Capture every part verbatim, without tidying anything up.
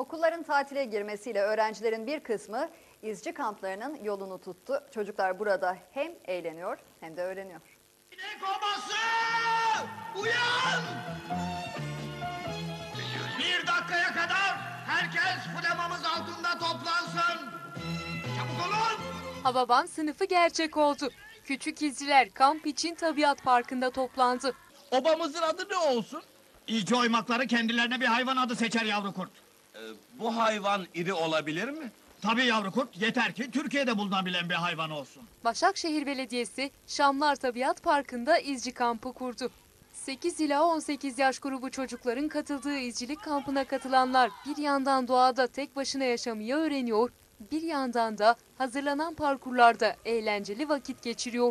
Okulların tatile girmesiyle öğrencilerin bir kısmı izci kamplarının yolunu tuttu. Çocuklar burada hem eğleniyor hem de öğreniyor. İnek obası! Uyan! Bir dakikaya kadar herkes flamamız altında toplansın. Çabuk olun! Hababam sınıfı gerçek oldu. Küçük izciler kamp için tabiat parkında toplandı. Obamızın adı ne olsun? İlci oymakları kendilerine bir hayvan adı seçer yavru kurt. Ee, bu hayvan iri olabilir mi? Tabii yavru kurt, yeter ki Türkiye'de bulunabilen bir hayvan olsun. Başakşehir Belediyesi Şamlar Tabiat Parkı'nda izci kampı kurdu. sekiz ila on sekiz yaş grubu çocukların katıldığı izcilik kampına katılanlar bir yandan doğada tek başına yaşamayı öğreniyor, bir yandan da hazırlanan parkurlarda eğlenceli vakit geçiriyor.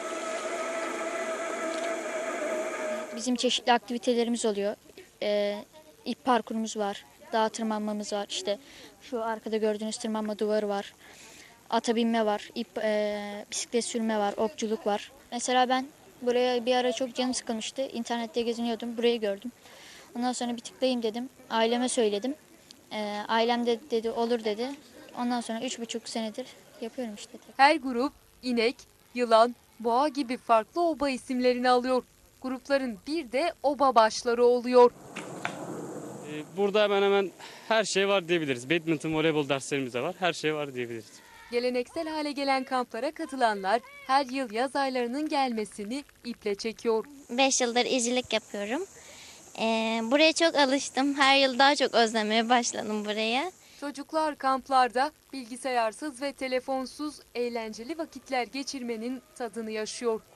Bizim çeşitli aktivitelerimiz oluyor. Ee, ip parkurumuz var, dağ tırmanmamız var. İşte şu arkada gördüğünüz tırmanma duvarı var. Ata binme var, ip, e, bisiklet sürme var, okçuluk var. Mesela ben buraya bir ara çok canım sıkılmıştı. İnternette geziniyordum, burayı gördüm. Ondan sonra bir tıklayayım dedim. Aileme söyledim. Ee, ailem de dedi olur dedi. Ondan sonra üç buçuk senedir yapıyorum işte. Her grup inek, yılan, boğa gibi farklı oba isimlerini alıyor. Grupların bir de oba başları oluyor. Burada hemen hemen her şey var diyebiliriz. Badminton, voleybol derslerimiz de var. Her şey var diyebiliriz. Geleneksel hale gelen kamplara katılanlar her yıl yaz aylarının gelmesini iple çekiyor. beş yıldır izcilik yapıyorum. Ee, buraya çok alıştım. Her yıl daha çok özlemeye başladım buraya. Çocuklar kamplarda bilgisayarsız ve telefonsuz eğlenceli vakitler geçirmenin tadını yaşıyor.